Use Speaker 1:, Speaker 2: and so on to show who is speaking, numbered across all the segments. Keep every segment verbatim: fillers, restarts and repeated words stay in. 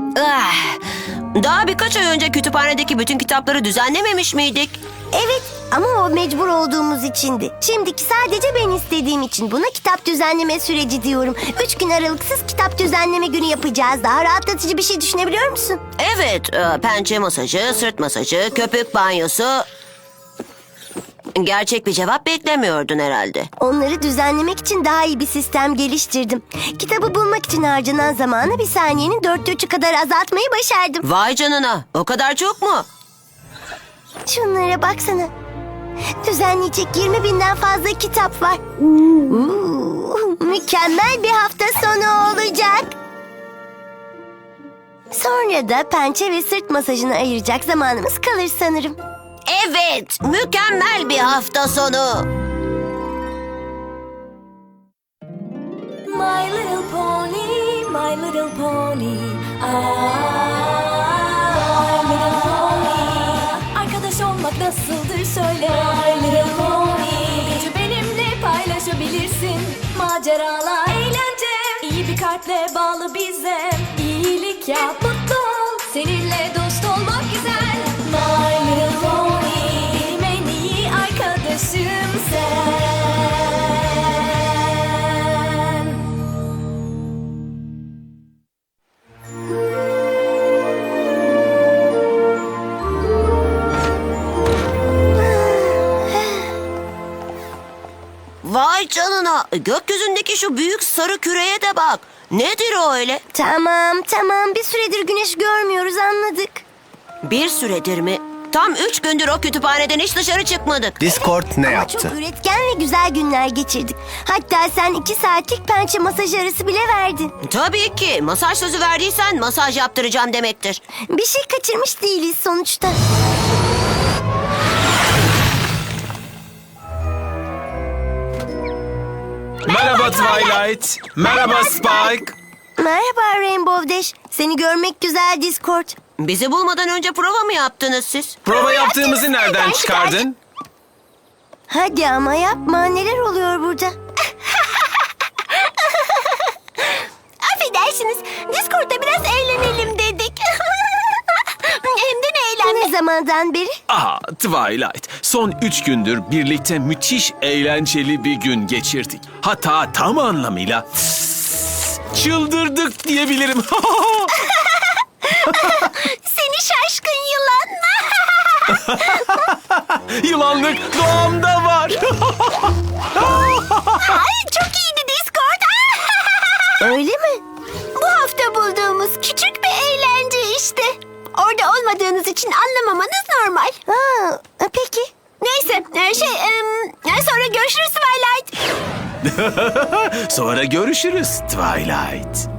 Speaker 1: Ah, daha birkaç ay önce kütüphanedeki bütün kitapları düzenlememiş miydik?
Speaker 2: Evet ama o mecbur olduğumuz içindi. Şimdiki sadece ben istediğim için. Buna kitap düzenleme süreci diyorum. Üç gün aralıksız kitap düzenleme günü yapacağız. Daha rahatlatıcı bir şey düşünebiliyor musun?
Speaker 1: Evet, e, pençe masajı, sırt masajı, köpük banyosu. Gerçek bir cevap beklemiyordun herhalde.
Speaker 2: Onları düzenlemek için daha iyi bir sistem geliştirdim. Kitabı bulmak için harcanan zamanı bir saniyenin dörtte üçü kadar azaltmayı başardım.
Speaker 1: Vay canına, o kadar çok mu?
Speaker 2: Şunlara baksana. Düzenleyecek yirmi binden fazla kitap var. Uuu, mükemmel bir hafta sonu olacak. Sonra da pençe ve sırt masajına ayıracak zamanımız kalır sanırım.
Speaker 1: Evet, mükemmel bir hafta sonu.
Speaker 3: My little pony, my little pony. Ah, my little pony. Arkadaş olmak nasıldır söyle. My little pony. Gücü benimle paylaşabilirsin. Maceralar, eğlence. İyi bir kalple bağlı bize. İyilik yap, mutlu ol. Seninle dost olmak güzel. My little pony. Benim en iyi arkadaşım sen.
Speaker 1: Vay canına, gökyüzündeki şu büyük sarı küreye de bak. Nedir o öyle?
Speaker 2: Tamam tamam bir süredir güneş görmüyoruz anladık.
Speaker 1: Bir süredir mi? Tam üç gündür o kütüphaneden hiç dışarı çıkmadık.
Speaker 4: Discord ne
Speaker 2: Ama
Speaker 4: yaptı?
Speaker 2: çok üretken ve güzel günler geçirdik. Hatta sen iki saatlik pençe masaj arası bile verdin.
Speaker 1: Tabii ki, masaj sözü verdiysen masaj yaptıracağım demektir.
Speaker 2: Bir şey kaçırmış değiliz sonuçta.
Speaker 5: Merhaba Twilight. Merhaba Spike.
Speaker 2: Merhaba Rainbow Dash. Seni görmek güzel Discord.
Speaker 1: Bizi bulmadan önce prova mı yaptınız siz?
Speaker 5: Prova yaptığımızı nereden çıkardın?
Speaker 2: Hadi ama yapma. Neler oluyor burada? Affedersiniz. Discord'da biraz eğlenelim dedik. Hem de ne eğlenme. Ne zamandan beri?
Speaker 5: Aha Twilight. Son üç gündür birlikte müthiş eğlenceli bir gün geçirdik. Hatta tam anlamıyla çıldırdık diyebilirim.
Speaker 2: Seni şaşkın yılan.
Speaker 5: Yılanlık doğamda var.
Speaker 2: Ay çok iyiydi Discord. Öyle mi? Bu hafta bulduğumuz küçük bir eğlence işte. Orada olmadığınız için anlamamanız normal. Ha, peki. Neyse şey em, sonra görüşürüz Twilight.
Speaker 5: Sonra görüşürüz Twilight.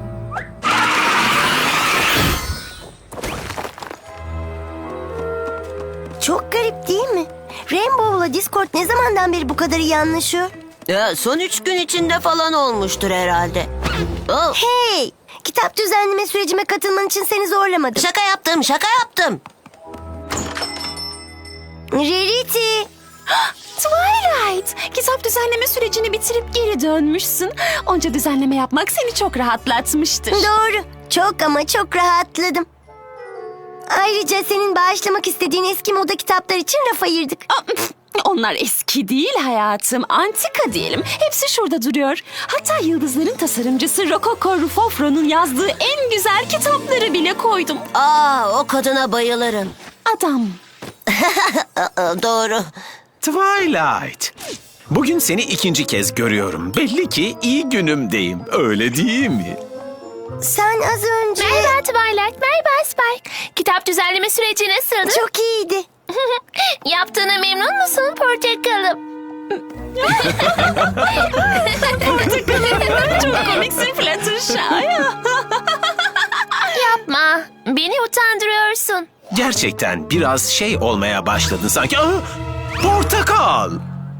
Speaker 2: Çok garip değil mi? Rainbow'la Discord ne zamandan beri bu kadar iyi anlaşıyor?
Speaker 1: Ya, son üç gün içinde falan olmuştur herhalde. Oh,
Speaker 2: Hey! Kitap düzenleme sürecime katılman için seni zorlamadım.
Speaker 1: şaka yaptım, şaka yaptım.
Speaker 2: Rarity!
Speaker 6: Twilight, kitap düzenleme sürecini bitirip geri dönmüşsün. Onca düzenleme yapmak seni çok rahatlatmıştır.
Speaker 2: Doğru. Çok ama çok rahatladım. Ayrıca senin bağışlamak istediğin eski moda kitaplar için raf ayırdık.
Speaker 6: Aa, pf, Onlar eski değil hayatım, antika diyelim. Hepsi şurada duruyor. Hatta Yıldızların tasarımcısı Rococo Rufofro'nun yazdığı en güzel kitapları bile koydum.
Speaker 1: Aa, o kadına bayılırım.
Speaker 6: Adam.
Speaker 1: Aa, doğru.
Speaker 5: Twilight. Bugün seni ikinci kez görüyorum. Belli ki iyi günümdeyim. Öyle değil mi?
Speaker 2: Sen az önce...
Speaker 7: Merhaba Twilight, merhaba Spike. Kitap düzenleme süreci nasıldı?
Speaker 2: Çok iyiydi.
Speaker 7: Yaptığına memnun musun portakalım?
Speaker 6: Çok komiksin Fluttershy.
Speaker 7: Yapma, beni utandırıyorsun.
Speaker 5: Gerçekten biraz şey olmaya başladın sanki. Aa, portakal.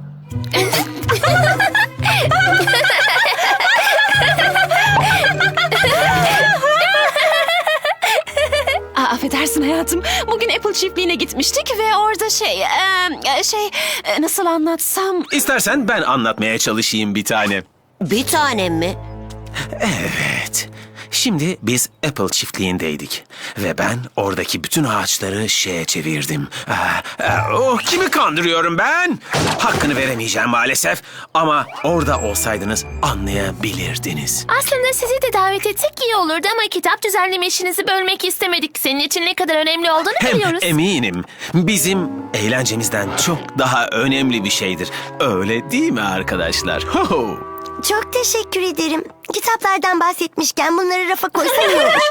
Speaker 6: Aa, affedersin hayatım. Bugün Apple çiftliğine gitmiştik ve orada şey... e, şey... e, nasıl anlatsam...
Speaker 5: İstersen ben anlatmaya çalışayım bir tane.
Speaker 1: Bir tanem mi?
Speaker 5: Evet. Şimdi biz Apple çiftliğindeydik. Ve ben oradaki bütün ağaçları şeye çevirdim. Ah, ah, oh, kimi kandırıyorum ben? Hakkını veremeyeceğim maalesef. Ama orada olsaydınız anlayabilirdiniz.
Speaker 7: Aslında sizi de davet etsek iyi olurdu ama kitap düzenleme işinizi bölmek istemedik. Senin için ne kadar önemli olduğunu
Speaker 5: Hem
Speaker 7: biliyoruz.
Speaker 5: eminim bizim eğlencemizden çok daha önemli bir şeydir. Öyle değil mi arkadaşlar? Ho ho.
Speaker 2: Çok teşekkür ederim. Kitaplardan bahsetmişken bunları rafa koysam iyi olur.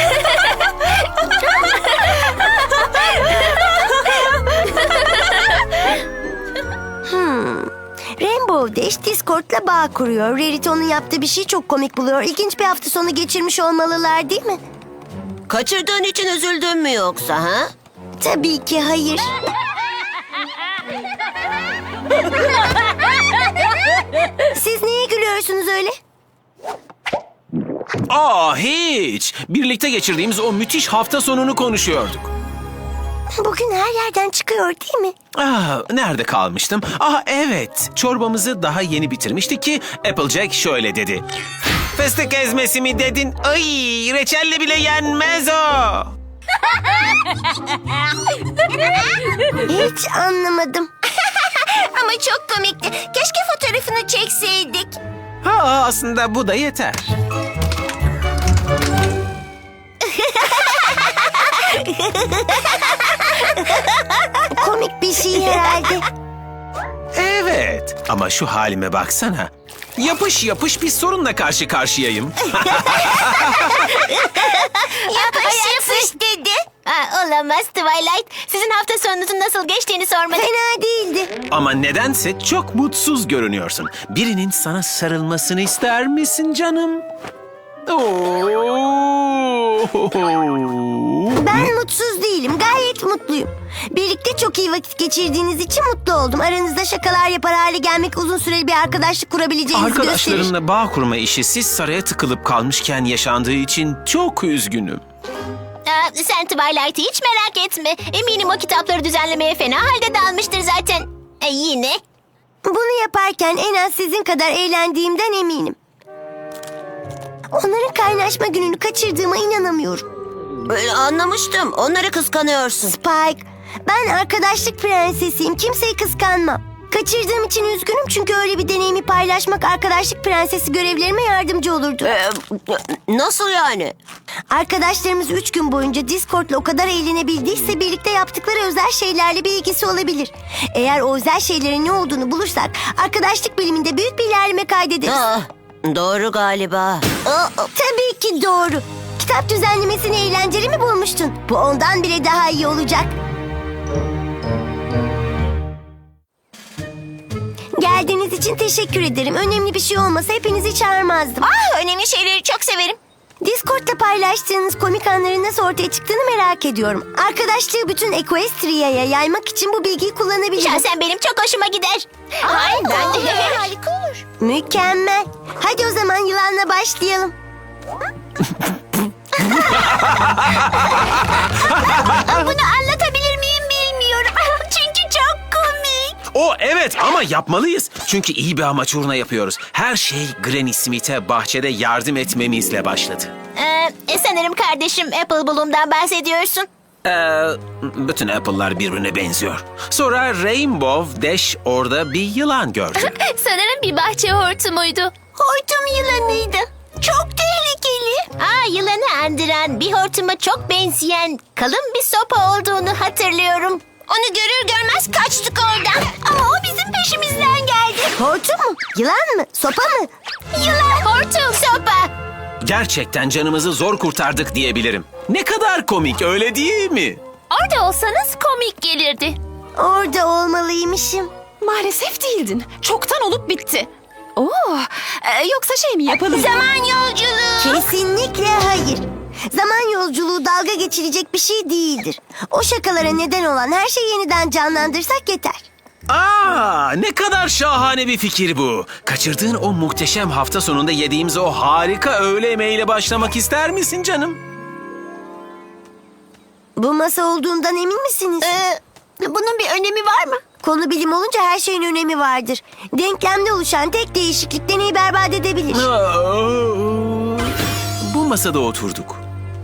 Speaker 2: hmm. Rainbow Dash Discord'la bağ kuruyor. Rarity onun yaptığı bir şeyi çok komik buluyor. İlginç bir hafta sonu geçirmiş olmalılar değil mi?
Speaker 1: Kaçırdığın için üzüldün mü yoksa ha?
Speaker 2: Tabii ki hayır. Siz neye gülüyorsunuz öyle?
Speaker 5: Aa hiç. Birlikte geçirdiğimiz o müthiş hafta sonunu konuşuyorduk.
Speaker 2: Bugün her yerden çıkıyor değil mi?
Speaker 5: Ah, nerede kalmıştım? Ah evet, çorbamızı daha yeni bitirmiştik ki Applejack şöyle dedi. Fıstık ezmesi mi dedin? Ay, reçelle bile yenmez o.
Speaker 2: Hiç anlamadım. Ama çok komikti. Keşke fotoğrafını çekseydik.
Speaker 5: Ha, aslında bu da yeter.
Speaker 2: Komik bir şey herhalde.
Speaker 5: Evet, ama şu halime baksana. Yapış yapış bir sorunla karşı karşıyayım.
Speaker 2: Yapış yapış dedi.
Speaker 7: Ha, olamaz Twilight. Sizin hafta sonunuzun nasıl geçtiğini sormadım.
Speaker 2: Fena değildi.
Speaker 5: Ama nedense çok mutsuz görünüyorsun. Birinin sana sarılmasını ister misin canım? Oo.
Speaker 2: Ben mutsuz değilim. Gayet mutluyum. Birlikte çok iyi vakit geçirdiğiniz için mutlu oldum. Aranızda şakalar yapar hale gelmek uzun süreli bir arkadaşlık kurabileceğinizi gösterir.
Speaker 5: Arkadaşlarımla bağ kurma işi siz saraya tıkılıp kalmışken yaşandığı için çok üzgünüm.
Speaker 7: Aa, sen Twilight'ı hiç merak etme. Eminim o kitapları düzenlemeye fena halde dalmıştır zaten. E, yine.
Speaker 2: Bunu yaparken en az sizin kadar eğlendiğimden eminim. Onların kaynaşma gününü kaçırdığıma inanamıyorum.
Speaker 1: Ee, anlamıştım. Onları kıskanıyorsun.
Speaker 2: Spike, ben arkadaşlık prensesiyim. Kimseyi kıskanmam. Kaçırdığım için üzgünüm çünkü öyle bir deneyimi paylaşmak arkadaşlık prensesi görevlerime yardımcı olurdu.
Speaker 1: Ee, nasıl yani?
Speaker 2: Arkadaşlarımız üç gün boyunca Discord'la o kadar eğlenebildiyse birlikte yaptıkları özel şeylerle bir ilgisi olabilir. Eğer o özel şeylerin ne olduğunu bulursak arkadaşlık biliminde büyük bir ilerleme kaydederiz.
Speaker 1: Ah, doğru galiba.
Speaker 2: Aa, tabii ki doğru. Kitap düzenlemesini eğlenceli mi bulmuştun? Bu ondan bile daha iyi olacak. Geldiğiniz için teşekkür ederim. Önemli bir şey olmasa hepinizi çağırmazdım.
Speaker 7: Ah, önemli şeyleri çok severim.
Speaker 2: Discord'da paylaştığınız komik anların nasıl ortaya çıktığını merak ediyorum. Arkadaşlığı bütün Equestria'ya yaymak için bu bilgiyi kullanabilirim.
Speaker 7: Şahsen benim çok hoşuma gider. Ay, ben de.
Speaker 2: Harika olur. Mükemmel. Hadi o zaman yılanla başlayalım. Bunu anlatabilir miyim bilmiyorum. Çünkü çok komik.
Speaker 5: O evet ama yapmalıyız. Çünkü iyi bir amaç uğruna yapıyoruz. Her şey Granny Smith'e bahçede yardım etmemizle başladı.
Speaker 7: Ee, sanırım kardeşim Apple Bloom'dan bahsediyorsun.
Speaker 5: Ee, bütün Apple'lar birbirine benziyor. Sonra Rainbow Dash orada bir yılan gördü.
Speaker 7: Sanırım bir bahçe hortumuydu.
Speaker 2: Hortum yılanıydı. Çok tehlikeli.
Speaker 7: Aa, yılanı andıran, bir hortuma çok benzeyen kalın bir sopa olduğunu hatırlıyorum. Onu görür görmez kaçtık oradan.
Speaker 2: Ama o bizim peşimizden geldi. Hortum mu? Yılan mı? Sopa mı?
Speaker 7: Yılan, hortum, sopa.
Speaker 5: Gerçekten canımızı zor kurtardık diyebilirim. Ne kadar komik öyle değil mi?
Speaker 7: Orada olsanız komik gelirdi.
Speaker 2: Orada olmalıymışım.
Speaker 6: Maalesef değildin. Çoktan olup bitti. Oo, e, yoksa şey mi yapalım?
Speaker 2: Zaman yolculuğu. Kesinlikle hayır. Zaman yolculuğu dalga geçilecek bir şey değildir. O şakalara neden olan her şeyi yeniden canlandırsak yeter.
Speaker 5: Aa, ne kadar şahane bir fikir bu. Kaçırdığın o muhteşem hafta sonunda yediğimiz o harika öğle yemeğiyle başlamak ister misin canım?
Speaker 2: Bu masa olduğundan emin misiniz?
Speaker 7: Ee, bunun bir önemi var mı?
Speaker 2: Konu bilim olunca her şeyin önemi vardır. Denklemde oluşan tek değişiklik deneyi berbat edebilir.
Speaker 5: Aa,
Speaker 6: Bu
Speaker 5: masada oturduk.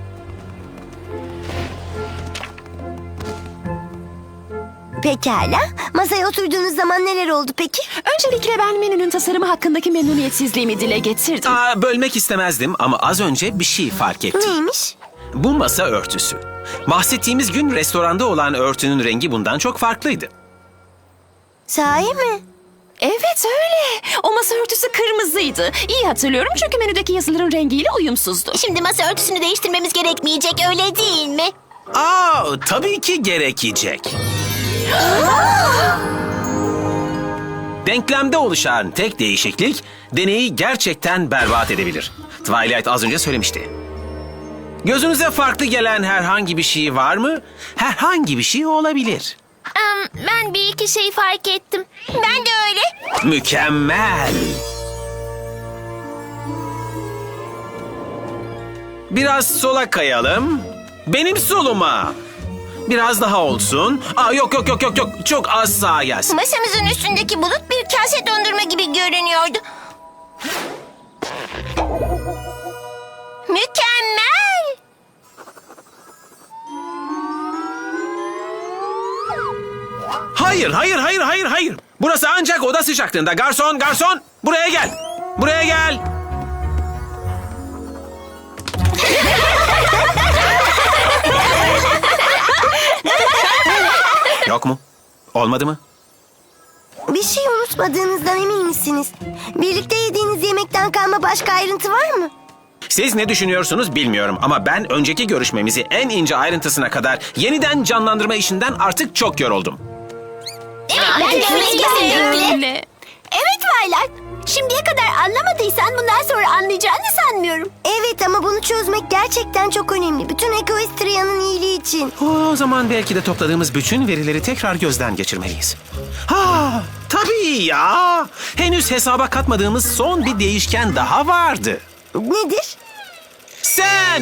Speaker 2: Pekala. Masaya oturduğunuz zaman neler oldu peki?
Speaker 6: Öncelikle ben menünün tasarımı hakkındaki memnuniyetsizliğimi dile getirdim.
Speaker 5: Aa, bölmek istemezdim ama az önce bir şey fark ettim.
Speaker 2: Neymiş?
Speaker 5: Bu masa örtüsü. Bahsettiğimiz gün restoranda olan örtünün rengi bundan çok farklıydı.
Speaker 2: Sahi mi?
Speaker 6: Evet öyle. O masa örtüsü kırmızıydı. İyi hatırlıyorum çünkü menüdeki yazıların rengiyle uyumsuzdu.
Speaker 7: Şimdi masa örtüsünü değiştirmemiz gerekmeyecek, öyle değil mi?
Speaker 5: Aa, tabii ki gerekecek. Denklemde oluşan tek değişiklik deneyi gerçekten berbat edebilir. Twilight az önce söylemişti. Gözünüze farklı gelen herhangi bir şey var mı? Herhangi bir şey olabilir.
Speaker 7: Um, ben bir iki şey fark ettim. Ben de öyle.
Speaker 5: Mükemmel. Biraz sola kayalım. Benim soluma. Biraz daha olsun. Aa, yok yok yok yok yok. Çok az sağa gelsin.
Speaker 7: Masamızın üstündeki bulut bir kase dondurma gibi görünüyordu. Mükemmel.
Speaker 5: Hayır, hayır, hayır, hayır, hayır. Burası ancak oda sıcaklığında. Garson, garson. Buraya gel. Buraya gel. Yok mu? Olmadı mı?
Speaker 2: Bir şey unutmadığınızdan emin misiniz? Birlikte yediğiniz yemekten kalma başka ayrıntı var mı?
Speaker 5: Siz ne düşünüyorsunuz bilmiyorum ama ben önceki görüşmemizi en ince ayrıntısına kadar yeniden canlandırma işinden artık çok yoruldum.
Speaker 7: Evet, ben de öyle kesinlikle.
Speaker 6: Öyle.
Speaker 2: Evet Twilight. Şimdiye kadar anlamadıysan bundan sonra anlayacağını sanmıyorum. Evet ama bunu çözmek gerçekten çok önemli. Bütün Equestria'nın iyiliği için.
Speaker 5: O zaman belki de topladığımız bütün verileri tekrar gözden geçirmeliyiz. Ha, tabii ya. Henüz hesaba katmadığımız son bir değişken daha vardı.
Speaker 2: Nedir?
Speaker 5: Sen!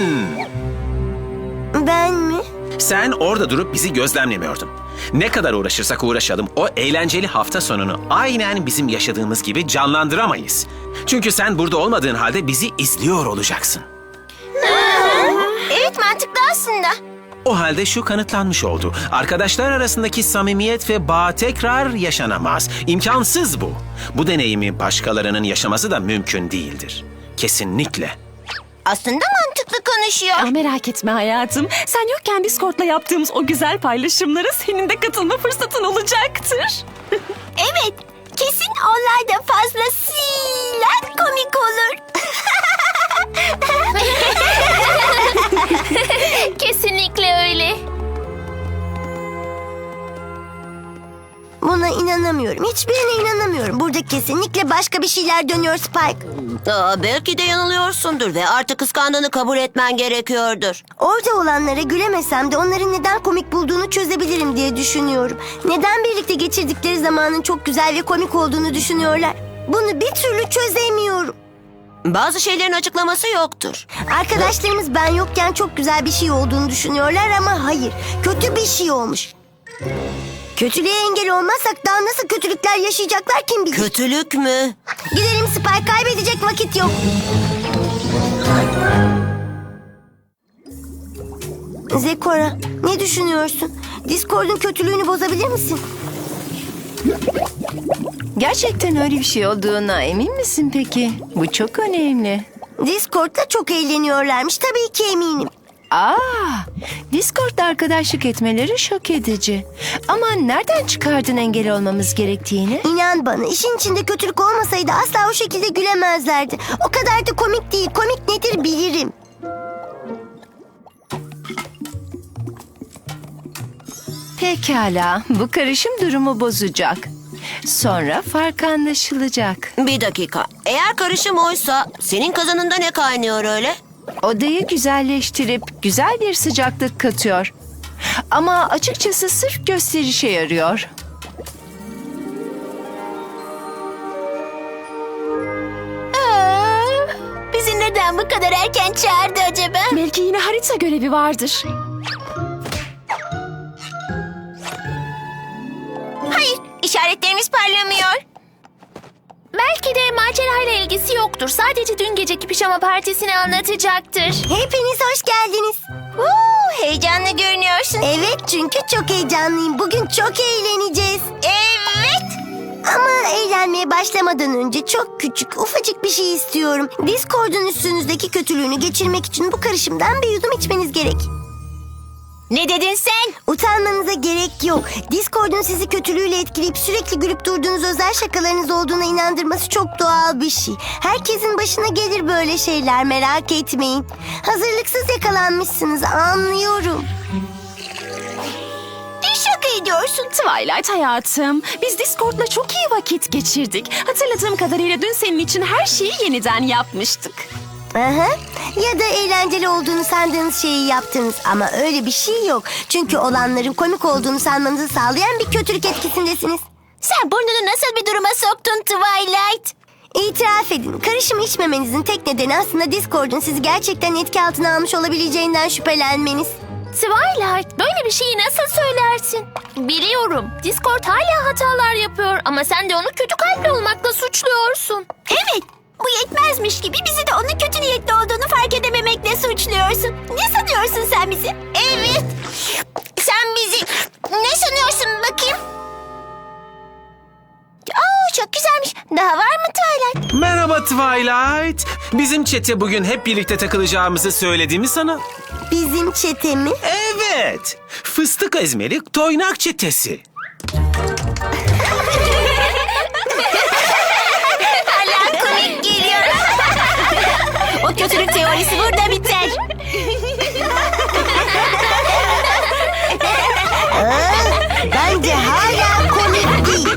Speaker 2: Ben mi?
Speaker 5: Sen orada durup bizi gözlemlemiyordun. Ne kadar uğraşırsak uğraşalım o eğlenceli hafta sonunu aynen bizim yaşadığımız gibi canlandıramayız. Çünkü sen burada olmadığın halde bizi izliyor olacaksın.
Speaker 7: Evet, mantıklı aslında.
Speaker 5: O halde şu kanıtlanmış oldu. Arkadaşlar arasındaki samimiyet ve bağ tekrar yaşanamaz. İmkansız bu. Bu deneyimi başkalarının yaşaması da mümkün değildir. Kesinlikle.
Speaker 7: Aslında mantıklı konuşuyor.
Speaker 6: Ah, merak etme hayatım. Sen yokken Discord'la yaptığımız o güzel paylaşımlara senin de katılma fırsatın olacaktır.
Speaker 2: Evet. Kesin onlar da fazlasıyla komik olur.
Speaker 7: Kesinlikle öyle.
Speaker 2: Buna inanamıyorum. Hiçbirine inanamıyorum. Burada kesinlikle başka bir şeyler dönüyor Spike.
Speaker 1: Aa, belki de yanılıyorsundur ve artık kıskandığını kabul etmen gerekiyordur.
Speaker 2: Orada olanlara gülemesem de onların neden komik bulduğunu çözebilirim diye düşünüyorum. Neden birlikte geçirdikleri zamanın çok güzel ve komik olduğunu düşünüyorlar. Bunu bir türlü çözemiyorum.
Speaker 1: Bazı şeylerin açıklaması yoktur.
Speaker 2: Arkadaşlarımız ben yokken çok güzel bir şey olduğunu düşünüyorlar ama hayır. Kötü bir şey olmuş. Kötülüğe engel olmazsak daha nasıl kötülükler yaşayacaklar kim bilir.
Speaker 1: Kötülük mü?
Speaker 2: Gidelim Spike, kaybedecek vakit yok. Zekora, ne düşünüyorsun? Discord'un kötülüğünü bozabilir misin?
Speaker 4: Gerçekten öyle bir şey olduğuna emin misin peki? Bu çok önemli.
Speaker 2: Discord'da çok eğleniyorlarmış, tabii ki eminim.
Speaker 4: Aa, Discord'da arkadaşlık etmeleri şok edici. Ama nereden çıkardın engel olmamız gerektiğini?
Speaker 2: İnan bana, işin içinde kötülük olmasaydı asla o şekilde gülemezlerdi. O kadar da komik değil, komik nedir bilirim.
Speaker 4: Pekala, bu karışım durumu bozacak. Sonra fark anlaşılacak.
Speaker 1: Bir dakika. Eğer karışım oysa senin kazanında ne kaynıyor öyle?
Speaker 4: Odayı güzelleştirip güzel bir sıcaklık katıyor. Ama açıkçası sırf gösterişe yarıyor.
Speaker 7: Aa, bizi neden bu kadar erken çağırdı acaba?
Speaker 6: Belki yine harita görevi vardır.
Speaker 7: Hayır, işaretlerimiz parlamıyor.
Speaker 2: belki de macerayla ilgisi yoktur. Sadece dün geceki pijama partisini anlatacaktır. Hepiniz hoş geldiniz.
Speaker 7: Uuu, heyecanlı görünüyorsun.
Speaker 2: Evet, çünkü çok heyecanlıyım. Bugün çok eğleneceğiz.
Speaker 7: Evet.
Speaker 2: Ama eğlenmeye başlamadan önce çok küçük, ufacık bir şey istiyorum. Discord'un üstünüzdeki kötülüğünü geçirmek için bu karışımdan bir yudum içmeniz gerek.
Speaker 7: Ne dedin sen?
Speaker 2: Utanmanıza gerek yok. Discord'un sizi kötülüğüyle etkileyip sürekli gülüp durduğunuz özel şakalarınız olduğuna inandırması çok doğal bir şey. Herkesin başına gelir böyle şeyler, merak etmeyin. Hazırlıksız yakalanmışsınız, anlıyorum.
Speaker 7: Ne şaka ediyorsun?
Speaker 6: Twilight hayatım, biz Discord'la çok iyi vakit geçirdik. Hatırladığım kadarıyla dün senin için her şeyi yeniden yapmıştık.
Speaker 2: Aha. Ya da eğlenceli olduğunu sandığınız şeyi yaptınız ama öyle bir şey yok. Çünkü olanların komik olduğunu sanmanızı sağlayan bir kötülük etkisindesiniz.
Speaker 7: Sen burnunu nasıl bir duruma soktun Twilight?
Speaker 2: İtiraf edin, karışımı içmemenizin tek nedeni aslında Discord'un sizi gerçekten etki altına almış olabileceğinden şüphelenmeniz.
Speaker 8: Twilight, böyle bir şeyi nasıl söylersin? Biliyorum, Discord hala hatalar yapıyor ama sen de onu kötü kalpli olmakla suçluyorsun.
Speaker 2: Evet, bu yetmezmiş gibi bizi de onun kötü niyetli olduğunu fark edememekle suçluyorsun. Ne sanıyorsun sen bizi?
Speaker 7: Evet. Sen bizi ne sanıyorsun bakayım? Aa, çok güzelmiş. Daha var mı Twilight?
Speaker 5: Merhaba Twilight. Bizim çete bugün hep birlikte takılacağımızı söylediğimi sana.
Speaker 2: Bizim çete mi?
Speaker 5: Evet. Fıstık ezmeli toynak çetesi.
Speaker 7: Hala komik geliyor. O kötülük teorisi burada biter.
Speaker 2: Bence hala komik değil.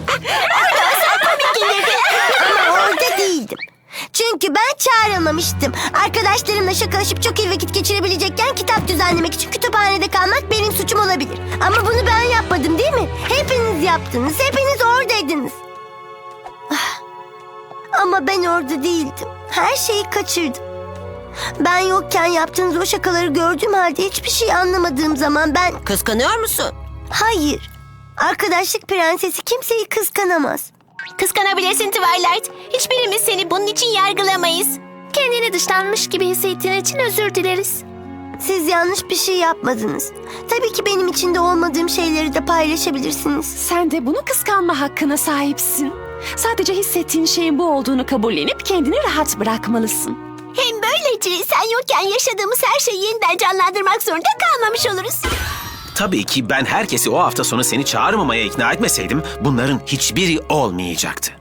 Speaker 2: Ama orada değildim. Çünkü ben çağrılmamıştım. Arkadaşlarımla şakalaşıp çok iyi vakit geçirebilecekken kitap düzenlemek için kütüphanede kalmak benim suçum olabilir. Ama bunu ben yapmadım değil mi? Hepiniz yaptınız. Hepiniz oradaydınız. Ah. Ama ben orada değildim. Her şeyi kaçırdım. Ben yokken yaptığınız o şakaları gördüğüm halde hiçbir şey anlamadığım zaman ben...
Speaker 1: Kıskanıyor musun?
Speaker 2: Hayır. Arkadaşlık prensesi kimseyi kıskanamaz.
Speaker 7: Kıskanabilirsin Twilight. Hiçbirimiz seni bunun için yargılamayız.
Speaker 8: Kendini dışlanmış gibi hissettiğin için özür dileriz.
Speaker 2: Siz yanlış bir şey yapmadınız. Tabii ki benim içinde olmadığım şeyleri de paylaşabilirsiniz.
Speaker 6: Sen de bunu kıskanma hakkına sahipsin. Sadece hissettiğin şeyin bu olduğunu kabullenip kendini rahat bırakmalısın.
Speaker 2: Hem böylece sen yokken yaşadığımız her şeyi yeniden canlandırmak zorunda kalmamış oluruz.
Speaker 5: Tabii ki ben herkesi o hafta sonu seni çağırmamaya ikna etmeseydim bunların hiçbiri olmayacaktı.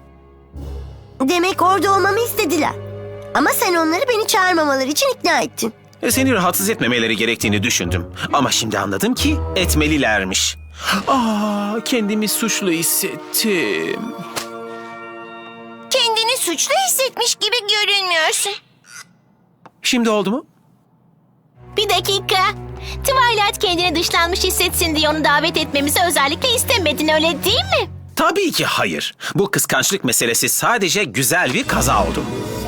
Speaker 2: Demek orada olmamı istediler. Ama sen onları beni çağırmamaları için ikna ettin.
Speaker 5: E, Seni rahatsız etmemeleri gerektiğini düşündüm. Ama şimdi anladım ki etmelilermiş. Aa, kendimi suçlu hissettim.
Speaker 7: Kendini suçlu hissetmiş gibi görünmüyorsun.
Speaker 5: Şimdi oldu mu?
Speaker 7: Bir dakika. Twilight kendini dışlanmış hissetsin diye onu davet etmemizi özellikle istemedin, öyle değil mi?
Speaker 5: Tabii ki hayır. Bu kıskançlık meselesi sadece güzel bir kaza oldu.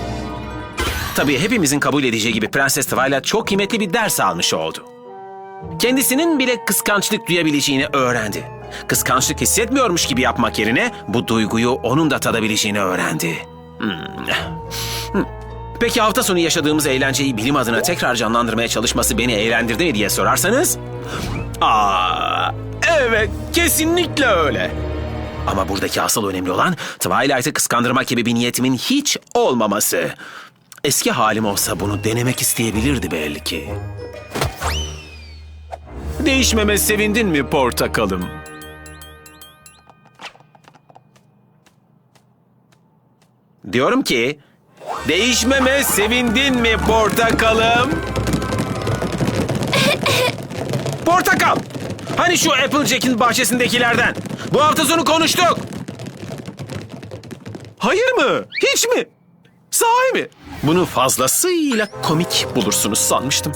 Speaker 5: Tabii hepimizin kabul edeceği gibi Prenses Twilight çok kıymetli bir ders almış oldu. Kendisinin bile kıskançlık duyabileceğini öğrendi. Kıskançlık hissetmiyormuş gibi yapmak yerine bu duyguyu onun da tadabileceğini öğrendi. Hmm. Hmm. Peki hafta sonu yaşadığımız eğlenceyi bilim adına tekrar canlandırmaya çalışması beni eğlendirdi mi diye sorarsanız... Aa, evet, kesinlikle öyle. Ama buradaki asıl önemli olan Twilight'ı kıskandırmak gibi bir niyetimin hiç olmaması. Eski halim olsa bunu denemek isteyebilirdi belli ki. Değişmeme sevindin mi portakalım? Diyorum ki, değişmeme sevindin mi portakalım? Portakal! Hani şu Applejack'in bahçesindekilerden? Bu hafta sonu konuştuk. Hayır mı? Hiç mi? Sahi mi? Bunu fazlasıyla komik bulursunuz sanmıştım.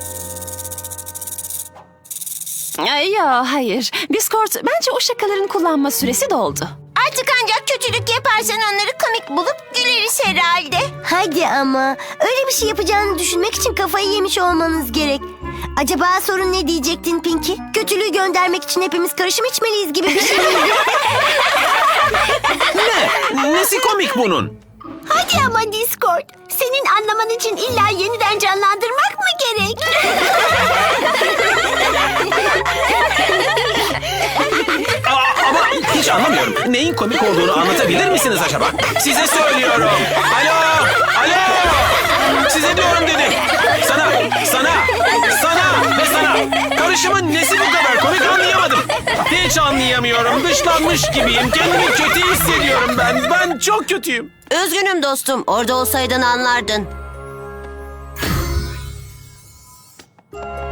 Speaker 6: Ay, ya hayır. Discord bence o şakaların kullanma süresi doldu.
Speaker 7: Artık ancak kötülük yaparsan onları komik bulup güleriz herhalde.
Speaker 2: Hadi ama öyle bir şey yapacağını düşünmek için kafayı yemiş olmanız gerek. Acaba sorun ne diyecektin Pinky? Kötülüğü göndermek için hepimiz karışım içmeliyiz gibi bir şey miydi?
Speaker 5: Ne? Nesi komik bunun?
Speaker 2: Hadi ama Discord. Senin anlaman için illa yeniden canlandırmak mı gerek?
Speaker 5: Aa, ama hiç anlamıyorum. Neyin komik olduğunu anlatabilir misiniz acaba? Size söylüyorum. Alo, alo. Size diyorum dedim. Sana, sana, sana ve sana. Karışımın nesi bu kadar komik anlayamadım. Hiç anlayamıyorum. Dışlanmış gibiyim. Kendimi kötü hissediyorum ben. Ben çok kötüyüm.
Speaker 1: Üzgünüm dostum. Orada olsaydın anlardın.